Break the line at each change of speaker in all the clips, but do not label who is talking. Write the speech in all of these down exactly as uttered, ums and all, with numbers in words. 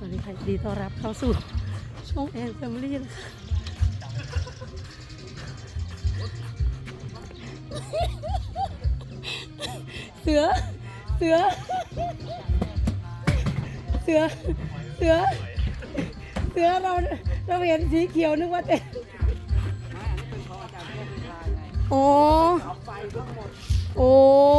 วัสดีค่ะดีต้อนรับเข้าสู่ช่องแอนแฟมิลี่นะคะเสือเสือเสือเสือเสือเราเราเห็นสีเขียวนึกว่าเต็มโอ้โอ้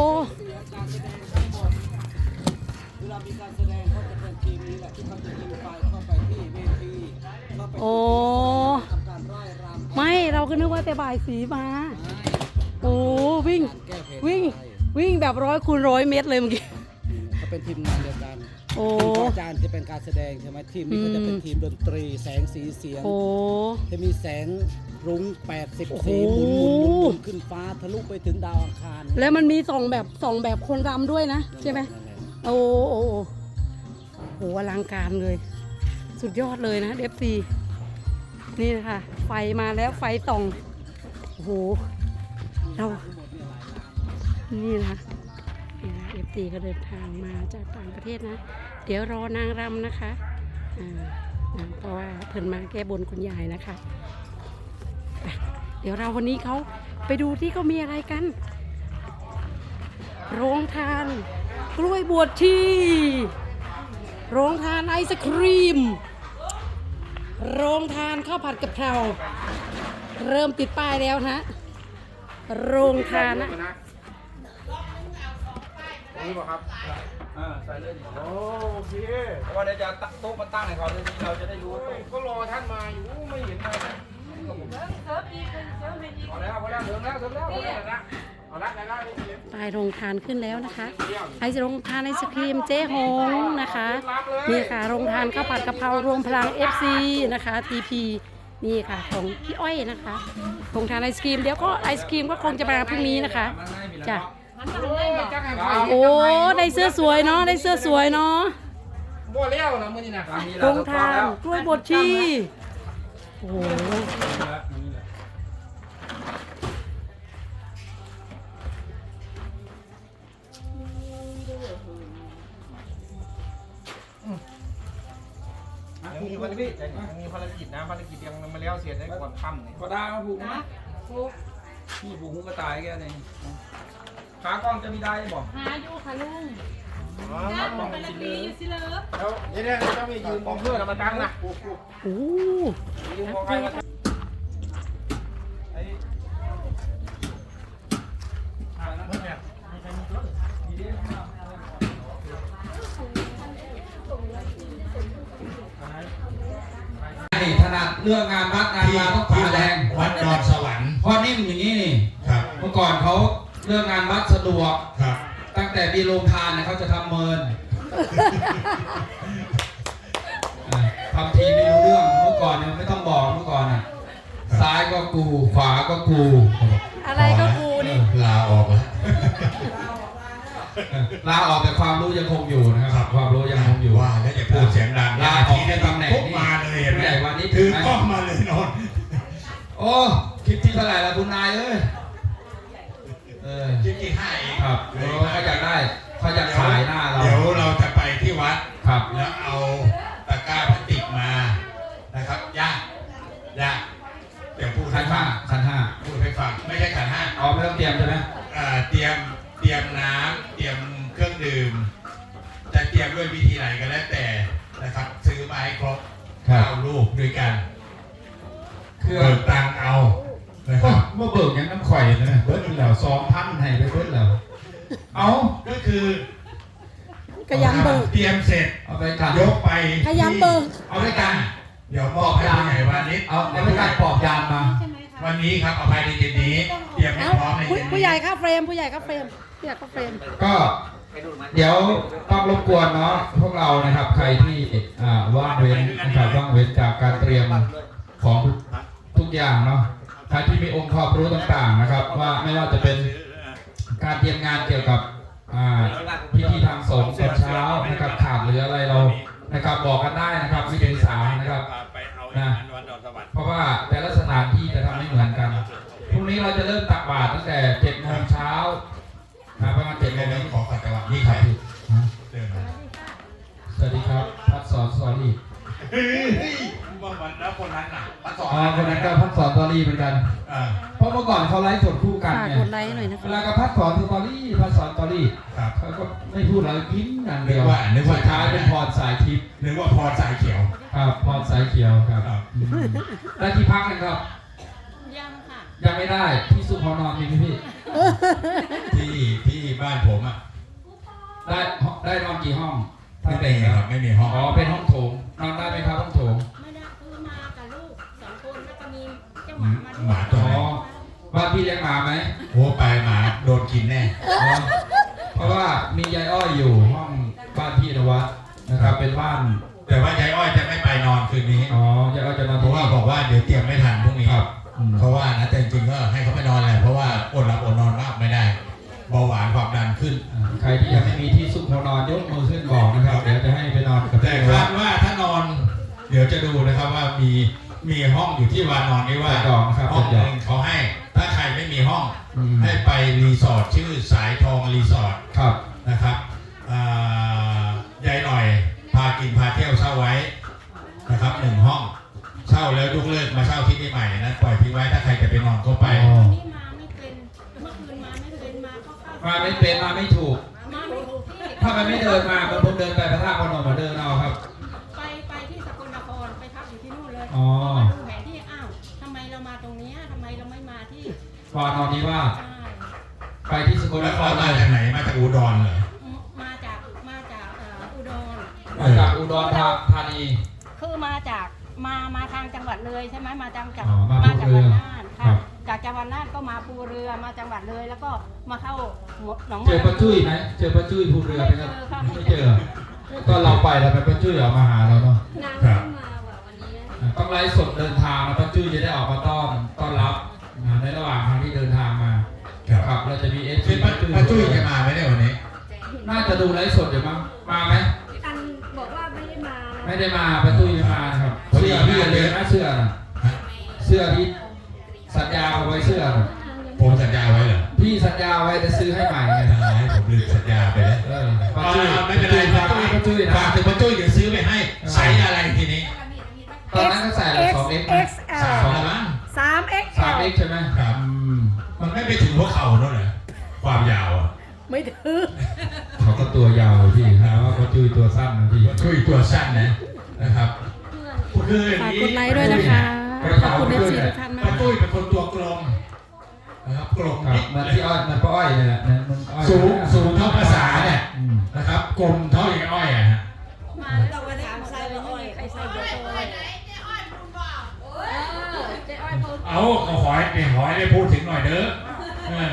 เวลามีการแสดงเขาจะเป็นทีมนี้แหละที่เขาจะยิงไฟเข้าไปที่เวทีเข้าไป
โอ้
ทำการร่ายรำ
ไม่เราก็นึกว่าแต่บ่ายสีมาโอ้วิ่ง
แก้เพลง
วิ่งวิ่งแบบร้อยคูณร้อยเมตรเลยเมื่อกี้
เขาเป็นทีมงานเดียวกัน
โอ้
ทีมของอาจารย์จะเป็นการแสดงใช่ไหมทีมนี้ก็จะเป็นทีมดนตรีแสงสีเสียง
โอ้
จะมีแสงรุ้งแปดสิบ
โอ้โห
สีหมุนหมุนหมุนหมุนขึ้นฟ้าทะลุไปถึงดาวอังคาร
แล้วมันมีสองแบบสองแบบคนรำด้วยนะใช่ไหม
นั่นแหละ
โอ้โอ้โอ้โหอลังการเลย สุดยอดเลยนะเอฟซีนี่นะคะไฟมาแล้วไฟส่องโอ้โหเรานี่นะนี่นะเอฟซีก็เดินทางมาจากต่างประเทศนะ เดี๋ยวรอนางรำนะคะอ่านะเพราะว่าเพิ่นมาแก้บนคุณยายนะคะไปเดี๋ยวเราวันนี้เขาไปดูที่เขามีอะไรกัน โรงทานกล้วยบวชชีโรงทานไอศครีมโรงทานข้าวผัดกะเพราเริ่มติดป้ายแล้วนะโรงทานนะ
นี่ป่ะครับอ่าใส่เลยโอเคเพราะว่าเดี๋ยวจะตั้งโต๊ะมาตั้งให้เขาเลยเราจะได้รู้ว่าโต๊ะก็รอท่านมาอยู่ไม่เห็นมาเลยเอาแล้วเอาแล้วเถิงแล้วเถิงแล้วเอาแล้วนะเอาละได้ได้
ป้ายโรงทานขึ้นแล้วนะคะไอศโรงทานไอศครีมเจ๊หงนะคะนี่ค่ะโรงทานข้าวผัดกะเพรารวมพลัง เอฟ ซี นะคะ ที พี นี่ค่ะของพี่อ้อยนะคะโรงทานไอศครีมเดี๋ยวก็ไอศครีมก็คงจะมาพรุ่งนี้นะคะจ้ะโอ้ได้เสื้อสวยเนาะได้เสื้อสวยเนาะ
บ่เลี้ยวนะมื้อนี้นะ
โรงทานกล้วยบดชีโอ้โห
ยังมีภารกิจยังมีภารกิจนะภารกิจยังมาเลี้ยวเสียได้ก่อนค่ำเนี่ยก็ได้มาผูกนะนี่ผูกหูกระต่ายแกเนี่ยขากล้องจะมีได้บอก
หาอยู่ค่ะลุง
อ๋อ
จ้า
ต้อง
ไป
มี
ละ
เล
ปี
ย
อยู่สิเลิฟ
แล้วนี่เนี่ยจะมียืนมองเพื่อนมาตั้งนะ
โอ้
ยืนมองใครมาไอ้ถนัดเรื่องงานวัดงานมาต้องผ่าแรง
วัดดอนสวรรค์
เพราะนิ่มอย่างนี้นี่
ครับ
เมื่อก่อนเขาเรื่องงานวัดสะดวก
ครับ
ตั้งแต่มีโรงทานเนี่ยเขาจะทำเมินทำทีไม่รู้เรื่องเมื่อก่อนเนี่ยไม่ต้องบอกเมื่อก่อนน่ะซ้ายก็กูขวาก็กู
อะไรก็กูนี่
ลาออกแล้ว
ลาออกแต่ความรู้ยังคงอยู่นะครับความรู้ยังคงอยู่
ว่าแล้วอย่าพูดเสียงดัง
ลาออกในตำแหน่ง
ปุ๊บมาเลยเห็นไหม
ผู้ใหญ่วันนี้
ถือกล้องมาเลยนอน
โอ้คลิปที่เท่าไหร่ละคุณนายเอ้ยเออ
จริงๆให้เอง
ครับเออเขาอยากได้เขาอยากขายหน้าเรา
เดี๋ยวเราจะไปที่วัด
ครับ
แล้วเอาตะกร้าพลาสติกมานะครับย่าย่าเดี๋ยวพูด
คั
ให้
น
ฟั
ห้าง คันห้า
พูดให้ฟังไม่ใช่ขันห้า
อ๋อไม่ต้องเตรียมใช่ไหม
เอ่อเตรียมเตรียมน้ำเตรียมเครื่องดื่มจะเตรียมด้วยวิธีไหนก็แล้วแต่นะครับซื้อมาให้ครบเก้าลูกด้วยกัน
เครื่อง
เบิกตังค์เอานะครับ
เมื่อเบิกยังน้ำข่อยนะเบิร์ดแล้วสองพันให้ไปเบิร์ดแล้วเอา
ก็คือ
ขยันเบิก
เตรียมเสร็จ
เอาไปกัน
ยกไป
ขยันเบิก
เอาด้วยกัน เดี๋ยวมอบให้ผู้ใหญ่วันนี้
เอาเอาไปกันปอบยานมา
ใช่ไหมคะ
วันนี้ครับเอาภายในเย็นนี้เตรียมให้
เอ้า
พร้อมใน
ผู้
เย็น
ผู้
นี้
ใหญ่ครับเฟรมผู้ใหญ่ครับเฟรมผู้ใหญ่ครับเฟรม
ก็เดี๋ยวต้องรบกวนเนาะพวกเรานะครับใครที่อ่าว่างเว้นนะครับว่างเว้นจากการเตรียมของทุกอย่างเนาะใครที่มีองค์ความรู้ต่างๆนะครับ ว่าไม่ว่าจะเป็นการเตรียมงานเกี่ยวกับอ่าพิธีทางสงฆ์ตอนเช้านะครับขาดหรืออะไรเรานะครับบอกกันได้นะครับวิธีสามนะครับนะเพราะว่าแต่ละสถานที่จะทำไม่เหมือนกันพรุ่งนี้เราจะเริ่มตักบาตรตั้งแต่เจ็ดโมงเช้านะประมาณเจ็ดโมง
เดี๋ยว
นี้
ขอขัดจังหวะนี่ใครเดินมา
สวัสดีครับพัดสอนสอนลีอีก
เฮ้ยเมื่อวันแล้วคนนั้นน่ะพัดสอน
อ๋อคนนั้นก็พัดสอนสตอรี่เหมือนกัน
อ่า
เพราะเมื่อก่อนเขาไลฟ์สดคู่กัน
ฝาก
ไง
กดไลค์หน่อยนะ
เว
คะ
ลาก็พัดสอนสตอรี่พัดสอนสตอรี่
ครับ
เขาก็ไม่พูดอะไรกินอย่างเดียว
นึกว่านึกว่า
สุดท้ายเป็นพรสายทิพย์
นึกว่าพรสายเขียว
ครับพรสายเขียวครับ
ครับ
อืมได้ที่พักนะครับ
ยังค่ะ
ยังไม่ได้ที่สุพรนอนมีไหมพี่
ที่ที่บ้านผมอ่ะ
ได้ได้นอนกี่ห้อง
ไม่เป็นครับ ไม่มีห้อง
อ๋อเป็นห้องโถงนอนได้ไหมครับห้องโถง
ไม่ได้คือมากับลูกสองคนแล้วก็มีเจ้าหมามาด้วย
หมาตัว
อ๋อ
ไหน
บ้านพี่เลี้ยงหมาไหม
โอ้ไปหมาโดนกินแน่
อ๋อเพราะว่ามียายอ้อยอยู่ห้องบ้านพี่นวัดนะครับเป็นบ้าน
แต่ว่ายายอ้อยจะไม่ไปนอนคืนนี้
อ๋อยายอ้อยจะนอน
เพ
ที่
ราะว่า
นี่
บอกว่าเดี๋ยวเตรียมไม่ทันพรุ่งนี้
ครับอืม
เขาว่านะแต่จริงๆก็ให้เขาไปนอนแหละเพราะว่าอดหลับอดนอนมากไม่ได้เบาหวานความดันขึ้น
อ่าใครที่ยังไม่มีที่ซุกหัวนอนยกมือขึ้นบอกนะครับเดี๋ยวจะให้ไปนอนกับ
แต่
พี่นวั
คา
ด
ดว่าถ้านอน เดี๋ยวจะดูนะครับว่ามีมีห้องอยู่ที่วานอนนี้ว่า
เป็นดอกนะครับ
ห้อง
เป็น
ห
ดอก
นึ่งเขาให้ ถ้าใครไม่มีห้อง
อืม
ให้ไปรีสอร์ทชื่อสายทองรีสอร์ท
ครับ
นะครับอ่ายายหน่อยพากินพาเที่ยวเช่าไว้นะครับหนึ่งห้องเช่าแล้วยกเลิกมาเช่าที่นี่ใหม่นะปล่อยทิ้งไว้ถ้าใครจะไปนอนก็ไป
อ๋อ
วันนี้มาไม่เป็นเมื่อคืนมาไม่เป็นมาเข้าเข้า
มาไม่เป็นมาไม่ถูก
มาไม่ถูกที่
ถ้ามันไม่เดินมามันผมเดินไปพระธาตุพนมมาเดินเอาครับ
ไปไปที่สกลนครไปพักอยู่ที่นู่นเลย
อ๋อ
พอมาดูแผนที่อ้าวทำไมเรามาตรงเนี้ยทำไมเราไม่มาที่
วานอนนี้ว่าส
ใช่
ไปที่สกลน
แล้ว
ค
เขา
ร
มา
เลย
จากไหนมาจากอุดรเหรอ
มาจากมาจากเอ่ออุดร
มาจากอุดรธานี
คือมาจากมามาทางจังหวัดเลยใช่ไหมมาจังจาก
อ๋อมา
มา
ภู
จาก
เรื
วั
อ
ดน่าน
ครั
ค่ะ
บ
จากจังหวัดน่านก็มาภูเรือมาจังหวัดเลยแล้วก็มาเข้าหนอง
เจอป้าจุ้ยไหมเจอป้าจุ้ยภูเรือไหมครับไม่เจอก็เราไปแล้วไปป้าจุ้ยออกมาหาเราเนาะ
นาง
ครับ
มาว่ะวันนี้
อ่าต้องไลฟ์สดเดินทางนะป้าจุ้ยจะได้ออกมาต้อนต้อนรับอ่าในระหว่างทางที่เดินทางมา
ครับ
ครับเราจะมีเอฟ
คือป้าป้าจุ้ยจะมาไหมเนี่ยวันนี้
น่าจะดูไลฟ์สดอยู่มั้งมาไหม
อันบอกว่าไม่ได้มา
ไม่ได้มาป้าจุ้ยไม่มานะครับเสื้อพี่อย่าลืมนะเสื้อนะเสื้อที่สัญญาเอาไว้เสื้อน่ะ
ผมสัญญาไว้เหรอ
พี่สัญญาไว้จะซื้อให้ใหม่ไง
ไม่เป็นไรผมลืมสัญญาไปแล้ว
เออป้า
อ่า
จุ้ย
ไม่เป็นไร
ป้าจุ้ยป้าจุ้ยนะ
ฝากถึงป้าจุ้ยเดี๋ยวซื้อไปให้ไซส์อะไรทีนี้
ตอนนั้นก็ใส่ละสองเอ็กซ์
เอ็กซ์แอ
สา
ล
มละมั้ง
สามเอ็กซ์
สามเอ็กซ์ใช่ไหม
ครับ
อืม
มันไม่ไปถึงหัวเข่าโน่นเหรอความยาวอ่ะ
ไม่ถือ
เขาก็ตัวยาวเลยพี่ฮะว่าป้าจุ้ยตัวสั้นนะพี่
ป้าจุ้ยตัวสั้นนะนะครับคืออย่ง
ฝาก
นี้
กดไลค์ด้วยนะคะ ขอบคุณเอฟซีทุกท่านมา
ป้าก จุ้ยเป็นคนตัวกลมนะครับกลม
ครับ
นิด
เหมันที่อ้อยเหมันป้าอ้อยเนี่ยแหละเนี่ยมันอ้อย
สูงสูงเท่าภาษาเนี่ย
อืม
นะครับกลมเท่าอย่างอ้อยอะฮะ
มาแล้ววันนี้ใส่ไปอ้อยใครใส่เบอร์โทรเลยเออเจ๊อ้อยพูด
เอาเอาหอยเนี่ยหอยได้พูดถึงหน่อยเด้อเออ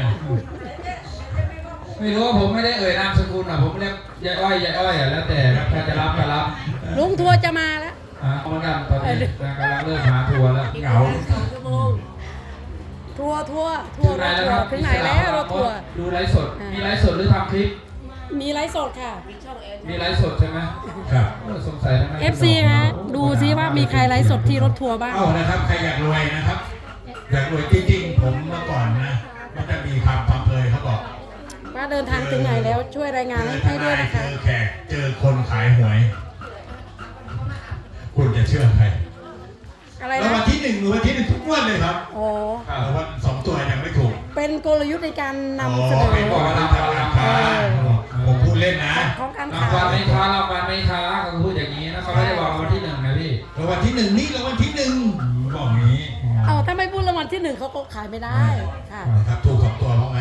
ไม่รู้ว่าผมไม่ได้เอ่ยนามสกุลอ่ะผมเรียกยายอ้อยยายอ้อยอ่ะแล้วแต่ครับใครจะรับก็รับ
ลุงทัวร์จะมาแล้ว
อ่ะเหมือนกันตอนนี้นะกำลังเริ่มหาทัวร์แล้ว
เหงา
ทัวร์ทัวร์ทัวร์
ถึงไหน
รถ
แล้ว
ทั
คว รับ
ร์ถึงไหนแล้วรถทัวร์
ดูไลฟ์สดมีไลฟ์สดหรือทำคลิป
มีไลฟ์สดค่ะ
มีไลฟ์สดใช่ไหม
ครับ
เออสงสัยทำไม
เอฟซีฮะดูซิว่ามีใครไลฟ์สดที่รถทัวร์บ้าง
เอานะครับใครอยากรวยนะครับ อยากรวยจริงๆผมเมื่อก่อนนะมันจะมีคำพังเพยเขาบอก
ว่าเดินทางถึงไหนแล้วช่วยรายงานให้ให้ด้วยนะคะ
เจอแขกเจอคนขายหวย คุณจะเชื่อใคร
อะไร
แล้ว
นะ
วันที่หนึ่งหรือวันที่หนึ่งทุกงวันเลยครับ
อ๋อ
แล้ววันสองตัวยังไม่ถูก
เป็นกลยุทธ์ในการนำ
อ๋อ
เสนอ
เป็นบอกว่าทำการค้าผมพูดเล่นนะ
ของการ
ราง
ขาย
วัลไม่ค้ารางวัลไม่ค้าเขาพูดอย่างนี้นะเขาไม่ได้บอกรางวัลที่หนึ่งนะพี่
แล้ววันที่หนึ่งนี่แล้ววันที่หนึ่งบอกอย่างนี้
เอาถ้าไม่พูดรางวัลที่หนึ่งเขาก็ขายไม่ได้ค่ะ
นะครับถูกสองตัวเพราะไหม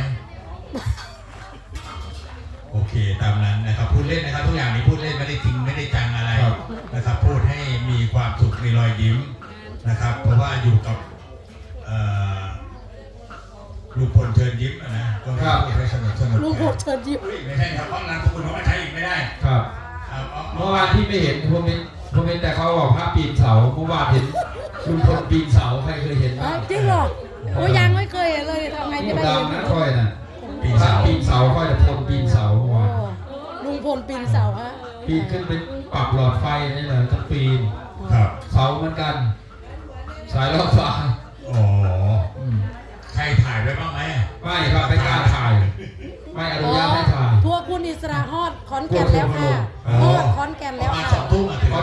โอเคตามนั้นนะครับพูดเล่นนะครับทุกอย่างนี้พูดเล่นไม่ได้จริงไม่ได้จังอะไรนะครับ พูดให้มีความสุขมีรอยยิ้มนะครับ เพราะว่าอยู่กับเอ่อลุงพลเชิญยิ้มอะนะก็ไม่พูดให้สนุกสนุก
ลุงพลเชิญยิ้ม
ไม่ใช่ครับเพราะนามสกุลเขาไม่ใช้อีกไม่ได้
ครับ
เอาเอา
เมื่อวานที่ไม่เห็นผมเห็นผมเห็นแต่เขาบอกภาพปีนเสาเมื่อวานเห็นลุงพลปีนเสาใครเคยเห็น
อ๋อ
บ้าง
จริงเหรอโอ้ยังไม่เคยเห็นเลยทำไงจะได้
ดั
เห็
ง
น
นะค่อยน่ะ
ปี
ภา
เสา
พปีนเสาค่อยแต่พลปีนเสาเมื่อ
โอ้
วาน
ลุงพลปีนเสาฮะ
ปีนขึ้นไปปรับหลอดไฟนี่เลยต้องปีน
ครับ
เสาเหมือนกัน สายรอดฟ้า
อ๋อ
อืม
ใครถ่ายไว้บ้างไหม
ไม่ครับไม่กล้าถ่าย ไม่อนุญาตให้ถ่าย
ทัวร์คุณอิสระฮอดขอนแก่นแล้วค่ะ
อ๋อ
ฮอดขอนแก่น
ป
แล้
ระ
ว
มาณ
ค่ะ
สองทุ่มอ่ะถึง
ขอน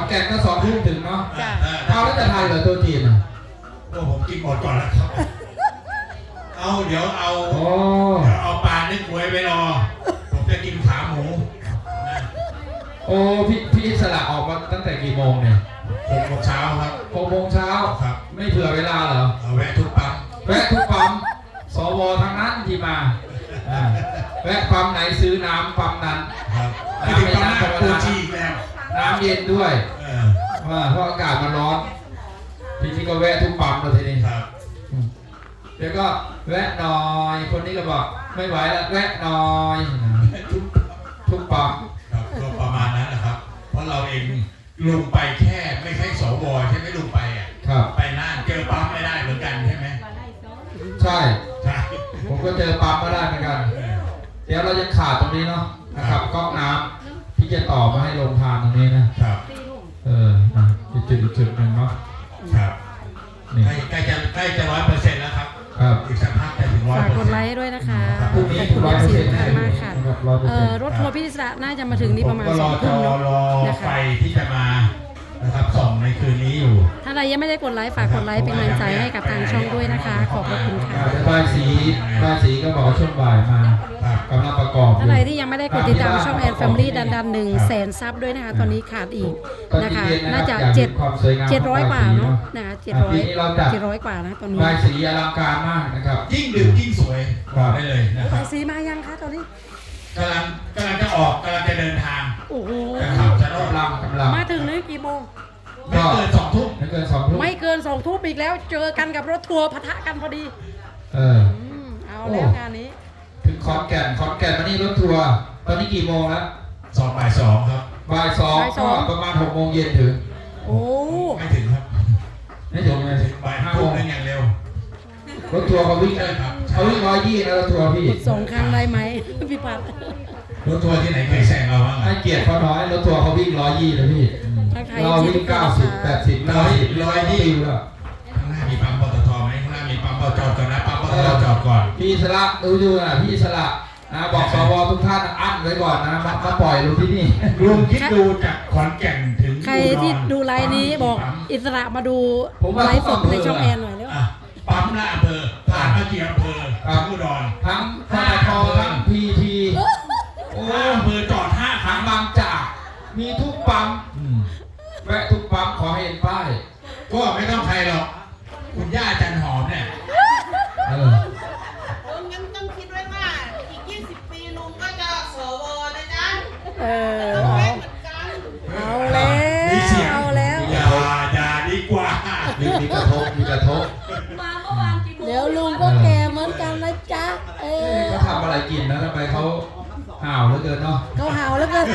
แก่นก็สองทุ่มถึงเนาะ
จ้ะ
เออ
เอาแล้วจะทานเหรอตัวจีนอ่ะ
โอ้ผมกินหมดก่อนแล้วครับ เอาเดี๋ยวเอา
โอ้
เดี๋ยวเอาปลานึ่งกล้วยไปรอ ผมจะกินขาหมูนะ
โอ้พี่พี่อิสระออกมาตั้งแต่กี่โมงเนี่ย
หกโมงเช้าครับ
หกโมงเช้า
ครับ
ไม่เผื่อเวลาเหรอ
เอาแวะทุกปั๊ม
แวะทุกปั๊มสวทั้งนั้นที่มาอ่าแวะปั๊มไหนซื้อน้ำปั๊มนั้น
ครับไม่ถึงปั๊มหน้าปูชีอีกแล้ว
น้ำเย็นด้วย
เออ
ว่าเพราะอากาศมันร้อนทีนี้ก็แวะทุกปั๊มเลยทีนี้
ครับ
เดี๋ยวก็แวะหน่อย คนนี้ก็บอกไม่ไหวแล้วแวะหน่อย
ทุก
ทุกปั๊ม
ครับก็ประมาณนั้นนะครับ เพราะเราเองลงไปแค่ไม่ใช่สวใช่ไหมลงไปอ่ะ
ครับ
ไปน่านเจอปั๊มไม่ได้เหมือนกันใช่ไหม
ใช่
ใช่
ผมก็เจอปั๊มมาได้เหมือนกัน
เออ
เดี๋ยวเราจะขาดตรงนี้เนาะนะครับก๊อกน้ำที่จะต่อมาให้ลงทานตรงนี้นะครับ เออนะอีกจุดอีกจุดหนึ่งเนาะ
ครับ
นี่
ใกล้ใกล้จะใกล้จะร้อยเปอร์เซ็นต์แล้วครับ
ครับ
อีกสักพักจะถึงร้อย
ฝาก
เปอร์
ก
เซ็นต์
ดไลค์ด้วยนะคะ
พรุ่งนี้
ขอบคุณ
ร้อยเปอร์
สี
เซ็นต์
ท่านมากค่ะ
ร้อยเปอร์
เอ่
เซ็น
อ
ต์
รถทัวร์พิศระน่าจะมาถึงนี่ประมาณ
ก็
ส
ร
อง
อจ
ทุ่
อ
มเนาะ
รอ
นะคะ
ไฟที่จะมานะครับส่องในคืนนี้อยู่
ถ้าใครยังไม่ได้กดไลค์ฝากกดไลค์เป็นกำลังใจให้กับทางช่องด้วยนะคะ ขอบพระคุณค่ะ
อ่าเดี๋ยวบายสีบายสีก็บอกว่าช่วงบ่ายมา
ครับ
กำลังประกอบอยู่
ถ้าใครที่ยังไม่ได้กดติดตามช่องแอนแฟมิลี่ดันดันหนึ่งแสนซับด้วยนะคะ ตอนนี้ขาดอีกนะคะ น่าจะเจ็ดเจ็ดร้อยกว่าเนาะนะคะเจ็ดร้อยเจ็ดร้อยกว่านะตอนนี้
บายสีอลังการมากนะครับ
ยิ่งดึกยิ่งสวย
ครับ
ได้เลยนะค
ไป
รับ
สีมายังคะตอนนี้
กำลังกำลังจะออกกำลังจะเดินทาง
โอ้โห
นะครับจะรอบ
กำลังกำลัง
มาถึงนี่กี่โมง
ไม่เกินสองทุ่ม
ไม่เกินสองทุ่ม
ไม่เกินสองทุ่มอีกแล้ว เจอกันกับรถทัวร์ปะทะกันพอดี
เออ
อืมเอาแล้วงานนี้
ถึงขอนแก่นขอนแก่นมานี่รถทัวร์ตอนนี้กี่โมงแล้ว
สองบ่ายสองครับ
บ่ายสอง
บ่ายส
ก็
อง
ประมาณหกโมงเย็นถึง
โอ้
ไม่ถึงครับ
ไม่ถึงเลย
บ่าย
ห้า
ทุ่
โม
ม
ง
นึงอย่างเร็ว
รถทัวร์เขาวิ่ง
ใช่ครับ
เขาวิ่งร้อยยี่นะรถทัวร์พี่
กดสองครั้งได้ไหม พี่พัด
รถทัวร์ที่ไหนเคยแซงเราบ้าง
ให้
อะ
เกียรติเขาน้อยรถทัวร์เขาวิ่งร้อยยี่นะพี่
ถ้าใคร
เรา
ที่
วิ่งเก้าสิบแปดสิบร้อยร้อยยี่แล้ว
ข้างหน้ามีปั๊มปตทไหมข้างหน้ามีปั๊มปตทจอดก่อนนะปั๊มปตทจอดก่อน
พี่สละดูดูนะพี่สละนะบอกสวทุกท่านอั้นไว้ก่อนนะมามาปล่อยลงที่นี่
รวมคิดดูจากขอนแก่นถึง
ใครที่ดูไลน์นี้บอกอิสระมาดู
ผมว่า
ไลฟ์สดในช่องแอนหน่อยเร็ว
อ่ะปั๊มละอำเภอผ่านมากี่อำเภอถึงอุดร
ทั้งพนททั้งพีทีโอ้
ห้าอำเภอจอดห้าค
ทั้
รั้
ง
ง
บางจากมีทุกปั๊ม
อืม
แวะทุกปั๊มขอให้เห็นป้าย
ก็ไม่ต้องใครหรอก คุณย่าจันหอมเนี่ย
เออ
ลุงยังต้องคิดไว้ว่าอีก ยี่สิบ ปีลุงก็จะสวนะจ๊ะ
เออ
เอา
เอา
ไว้เหมือนกัน
เอาแล้ว
มีเสียง
เอาแล้ว
อย่าอย่าดีกว่า
มีมีกระทบมีกระทบ
มาเมื่อวานกี่โมง
เดี๋ยวลุงก็แก่เหมือนกันนะจ๊ะเออ
เขาทำอะไรกินนะทำไมเขาห่าวเหลือเกินเนาะ
เขาหาวแล้วกัน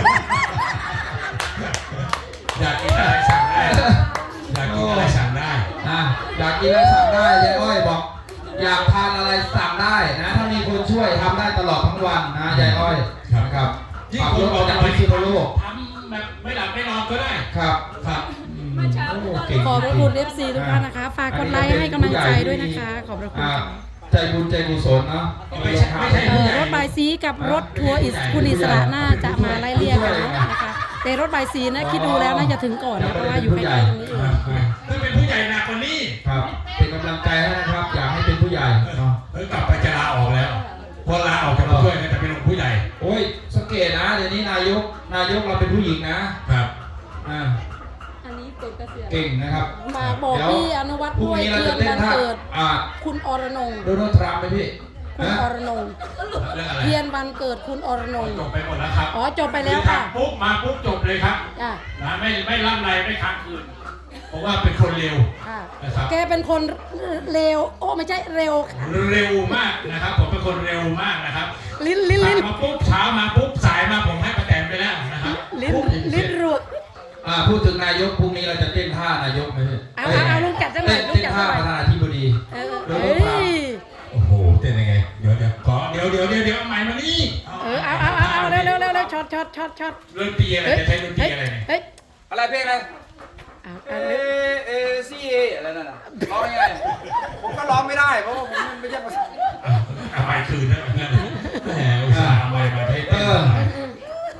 อยากกินอะไรสั่งได้ อยากกินอะไรสั่งได้
อ่ะอยากกินอะไรสั่งได้ยายอ้อยบอก อยากทานอะไรสั่งได้นะ ถ้ามีคนช่วยทำได้ตลอดทั้งวันนะยายอ้อย
ครับ
นะครับ
ที่
ขับ
คุ
ร
ณ
ถ
บ
อ
อ
อก ก
จะ
จาก
ไป
พิษณุโลก
ทำแบบไม่หลับไม่นอนก็ได้
ครับ
ครับ
อืม
เมื่อเช้า
โอ้
ก็
เก่ง
ขอบพระ
จริงๆ
คุณ เอฟ ซี ทุกท่านนะคะ ฝากกดไลค์ให้กำลังใจด้วยนะคะ ขอบพระคุณ
อ่า
ค่ะ
ใจบุญใจกุศลเนาะ
ไม่ใช่ไม่ใช่
เออรถบายสีกับรถทัวร์อิสคุณอิสระน่าจะมาไล่เลี่ยกันนะคะ แต่รถบายสีนะคิดดูแล้วน่าจะถึงก่อนนะเพราะว่าอยู่ใกล้ๆตรงนี้เอง
ถ้าเป็นผู้ใหญ่หนักกว่านี้
ครับ เป็นกำลังใจให้นะครับ อยากให้เป็นผู้ใหญ่เนาะ
เฮ้ยกลับไปจะลาออกแล้วพอลาออกจากผู้ช่วยก็จะเป็นลงผู้ใหญ่
โอ้ยสังเกตนะเดี๋ยวนี้นายกนายกเราเป็นผู้หญิงนะครับ อ่า
อันนี้ปลดเกษียณ
เก่งนะครับ
ฝากบอก
เดี๋ยว
พี่อนุวัฒน์
พรุ่ง
ด้วย
นี้เรา
เพื่
จะ
อน
เต้น
วัน
ท่า
เกิด
อ่า
คุณอรนงค์
โดนัลด์ทรัมป์ไหมพี่
คุณ
ฮะ
อรนงค์
เรื่องอะไร
เพียนวันเกิดคุณอรนงค์
จบไปหมดแล้วครับ
อ๋อจบไปแล้วค่ะ
ปุ๊บมาปุ๊บจบเลยครับ
จ้ะ
นะไม่ไม่ล่ำไรไม่ค้างคืนเพราะว่าเป็นคนเร็ว
ค่ะ
นะครับ
แกเป็นคนเร็วโอ้ไม่ใช่เร็วค่ะ
เร็วมากนะครับ ผมเป็นคนเร็วมากนะครับ
ลิ้นลิ้นลิ้น
มาปุ๊บเช้ามาปุ๊บสายมาผมให้ประแตนไปแล้วนะครับ
ลิ้นลิ้นรัว
อ่าพูดถึงนายกพรุ่งนี้เราจะเต้นท่านายกไหมพี่
เอาเอาเอาลุงจัดสักหน่อย
เต้น
ลุง
เต้น
จัดสั
ท่าก
หน่อย
ประธานาธิบดี
เออ
เดี๋ยว
เอ้
ลุงถาม
ย
โอ้โหเต้นยังไงเดี๋ยวเดี๋ยวขอเดี๋ยวเดี๋ยวเดี๋ยวเดี๋ยวเอาใหม่มานี่
เออเอาเอาเอาเอาเร็วเร็วเร็วเร็วช็อตช็อตช็อตช็อต
เรื่องตีอะไร
เฮ้ย
จะใช้เรื่องตี
เฮ้ย
อะไรเนี่ย
เฮ้ย
อะไรเพลงอะไร
เอา
เอ
เอาเร็ว
เอซีเออะไรนั่นน่ะร้องยังไงผมก็ร้องไม่ได้เพราะว่าผมไม่ใช่ภาษา
เอาไปคืนนะงั้นแหมอุตส่าห์เอาไปมาให้
เอ
เต้น
อ โทร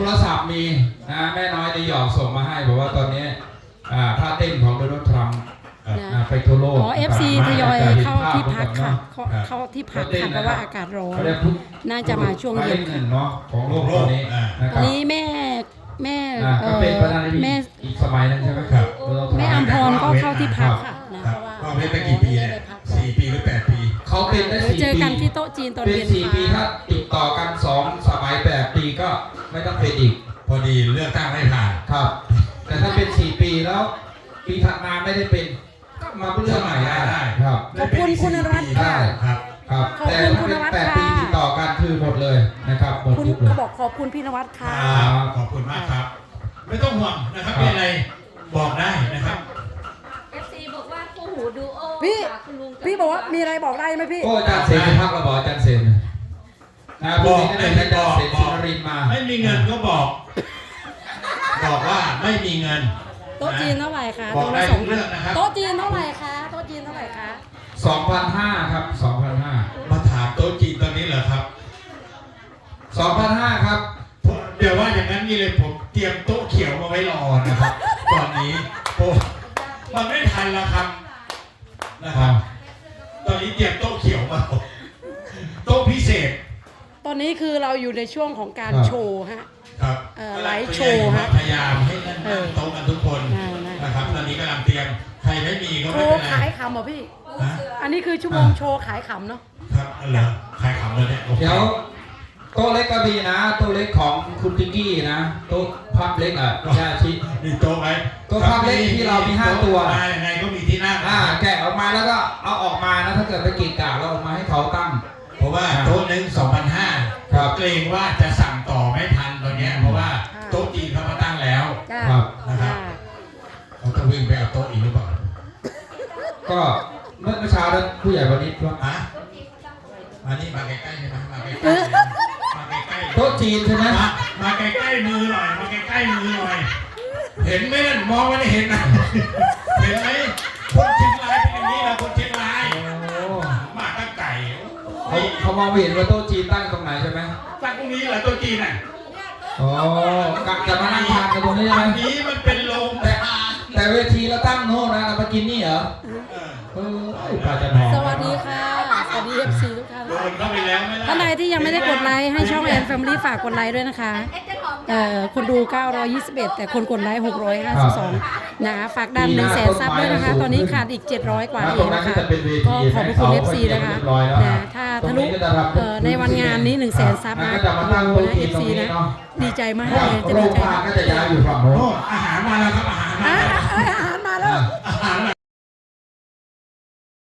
รศัพท์มีนะแม่น้อยในหยอกส่งมาให้บอกว่าตอนนี้อ่าท่าเต้นของโดนัลด์ทรัมป์
นะ
ไปทั่วโลก
อ๋อ เอฟ ซี ทยอยเข้าที่พักค่ะ
ครั
เข้า
บ
เข้าที่พักค่ะเพราะว่าอากาศร้อน
เขาเรียกทุก
น่าจะมาช่วงเย็น
หนึ่งเนาะของโลกตอนนี้นะค
อั
รั
น
บ
นี้แม่แม่
อ่า
เอ
ก็
อ
เป็นประธานาธิบดี
แม่
อีกสมัยนึงใช่ไหมครับ
แม่อัมพรก็เข้าที่พักค่ะนะ
ค
เพ
รับ
ราะว่า
ว่าเว้นไปกี่ปีเนี่ยสี่ปีหรือแปดปี
เขาเป็นได้
เดี๋ยว
สี่
เจอ
ปี
กันที่โต๊ะจีนตอน
เป็น
เย็น
สี่ปีถ้า
ค่ะ
ติดต่อกันสองสมัยแปดปีก็ไม่ต้องเป็นอีก
พอดีเลือกตั้งไม่ผ่าน
ครับ แต่ถ้าเป็นสี่ปีแล้ว ปีถัดมาไม่ได้เป็นก็มาเลือกใหม่ได้ครับ
ขอบคุณคุณนวัดค่ะ
ครับ
ครับ
ขอบ
แต่
คุณ
ถ้า
คุณ
เป็น
นวัด
แปด
ค่ะ
ปีติดต่อกันคือหมดเลยนะครับหมด
คุณ
ทุกเลย
เขาบอกขอบคุณพี่นวัดค่ะ
ครับขอบคุณมากครับ ไม่ต้องห่วงนะครับมีอะไรบอกได้นะครับ
เอฟซีบอกว่าคู่หูดูโอ
พี่
ค่ะคุณลุง
พี่บอกว่ามีอะไรบอกได้ไหมพี่
โอ้อาจารย์เซนไปพักระบอกอาจารย์เซนนะพรุ่งนี้ก็เลยให้อาจารย์เซนสุนรินทร์มา
ไม่มีเงินก็บอก บอกว่าไม่มีเงิน
โต๊ะจีนเท่าไหร่คะ
บอก
โต๊ะ
ได้
ละส
ทุ
อง
ก
พัน
เรื่องนะครับ
โต๊ะจีนเท่าไหร่คะโต๊ะจีนเท่าไหร่คะ
สองพันห้าครับสองพันห้า
มาถามโต๊ะจีนตอนนี้เหรอครับ
สองพันห้าครับ
ผมเดี๋ยวว่าอย่างนั้นนี่เลยผมเตรียมโต๊ะเขียวมาไว้รอนะครับ ตอนนี้โอ้มันไม่ทันแล้วครับนะครับ ตอนนี้เตรียมโต๊ะเขียวมาโต๊ะพิเศษ
ตอนนี้คือเราอยู่ในช่วงของการ
ครับ
โชว์ฮะ
ครับ
เอ่อไลฟ์โชว์ฮะ
พยายามให้นั่ง
เออ
โต๊ะกันทุกคน
อ่านะ
นะครับ ตอนนี้กำลังเตรียมใครไม่มีก็
โช
ไม่
ว์
เป็นไร
ขายขำเหรอพี่
ฮะ
อันนี้คือชั่วโมงโชว์ขายขำเนาะ
ครับอะไรอใครขำเลยเนี่ยโอค
เดี๋ยวโต๊ะเล็กก็มีนะโต๊ะเล็กของคุณติ๊กกี้นะโต๊ะพับเล็กอ่ะยาชิ
มีโต๊ะไหม
โต๊ะภาพเล็กที่เรามีห้าตัว
มายังไงก็มีที่นั่ง
อ่าแกะออกมาแล้วก็เอาออกมานะถ้าเกิดไปกีดกะเราออกมาให้เขาตั้ง
เพราะว่าโต๊ะหนึ่งสองพันห้า
ครับ
เกรงว่าจะสั่งต่อไม่ทันตอนเนี้ยเพราะว่าโต๊ะจีนเขามาตั้งแล้ว
จ้า
ครับ
นะครับ
จ้า
เขาต้องวิ่งไปเอาโต๊ะอีกหรือเปล่า
ก็เมื่อเช้านั้นผู้ใหญ่วันนี้ว่า
ฮะมานี่มาใกล้ๆใช่ไหมมาใกล้ๆมาใกล้ๆ
โต๊ะจีนใช่ไหม
มามาใกล้ๆมือหน่อยมาใกล้ๆมือหน่อย เห็นไหมนั่นมองไม่ได้เห็นนะเห็นไหมคนเชียงรายเป็นอย่างนี้นะคนเชียงราย
โอ้
มาตั้งไก่
เขาเขามองไม่เห็นว่าโต๊ะจีนตั้งตรงไหนใช่ไหม
ตั้งตรงนี้เหรอโต๊ะจีนน่ะ
อ๋อกะจะมานั่งทานกันตรงนี้ใช่ไหม
อันนี้มันเป็นโรงแต่อา
แต่เวทีเราตั้งโน่นนะเรามากินนี่เหรอ
เออ
เออปลาจะนอน
สวัสดีค่ะ สวัสดีเอฟซีทุกท่าน
โดนเข้าไปแล้วไม่ได้
ท่านใดที่ยังไม่ได้กดไลค์ให้ช่องแอนแฟมิลี่ฝากกดไลค์ด้วยนะคะ เอ่อคนดูเก้าร้อยยี่สิบเอ็ดแต่คนกดไลค์หกร้อยห้าสิบสองนะคะฝากดันหนึ่งแสนซับด้วยนะคะ ตอนนี้ขาดอีกเจ็ดร้อยกว่าเองนะคะ ก็ขอบพระคุณ เอฟ ซี นะคะนะถ้าทะลุเอ่อในวันงานนี้หนึ่งแสนซับนะ
ก็จะมาตั้ง
โอ้
โต๊ะ
นะ
จี
เอน ฟ
ตรง
ซี
นี้
นะ
เนาะ
ดีใจมาก
ครับ
เลยจะ
โร
ดี
ง
ใจ
พยาบาล
มาก
ก็จะย้ายอยู่ฝั่งโน้น
โอ้อาหารมาแล้วครับอาหารมา
อ่ะ
แล้ว